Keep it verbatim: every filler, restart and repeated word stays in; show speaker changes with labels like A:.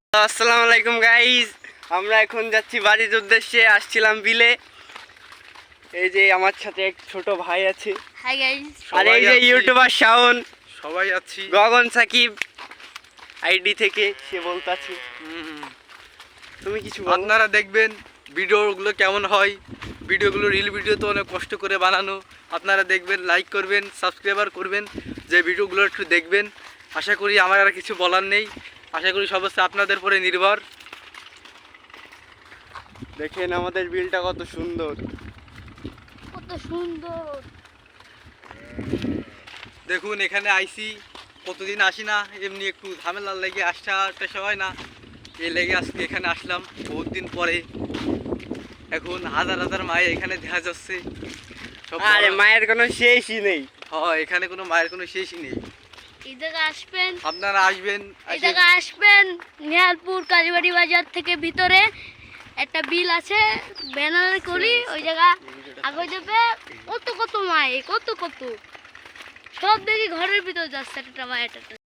A: আসসালামু আলাইকুম গাইজ, আমরা এখন যাচ্ছি বাড়ির উদ্দেশ্যে। আসছিলাম বিলে। এই যে আমার সাথে এক ছোট ভাই আছে।
B: Hi guys.
A: আর এই যে ইউটিউবার শাওন,
C: সবাই আছি।
A: গগন সাকিব আইডি থেকে সে বলতাছে। তুমি কিছু বলো।
C: আপনারা দেখবেন ভিডিওগুলো কেমন হয়। ভিডিওগুলো রিল ভিডিও তো অনেক কষ্ট করে বানানো। আপনারা দেখবেন, লাইক করবেন, সাবস্ক্রাইবার করবেন, যে ভিডিওগুলো একটু দেখবেন। আশা করি আমার আর কিছু বলার নেই। আশা করি সব হচ্ছে আপনাদের উপরে নির্ভর।
A: দেখেন আমাদের বিলটা কত সুন্দর,
B: কত সুন্দর।
C: দেখুন এখানে আইসি, কতদিন আসি না, এমনি একটু ঝামেলার লেগে আসা টাসা হয় না, এই লেগে আজকে এখানে আসলাম বহুত দিন পরে। এখন হাজার হাজার মায়ে এখানে দেখা যাচ্ছে। সব
A: আরে মায়ের কোনো শেষই নেই।
C: হ্যাঁ, এখানে কোনো মায়ের কোনো শেষই নেই।
B: এই জায়গা আসবেন,
C: আপনারা আসবেন।
B: এই জায়গা আসবেন নিহালপুর কালীবাড়ি বাজার থেকে ভিতরে একটা বিল আছে, ব্যানার করি ওই জায়গা আগে যাবে। কত কত মায়ে, কত কত সব দেখি ঘরের ভিতর যাচ্ছে একটা মায়ের একটা।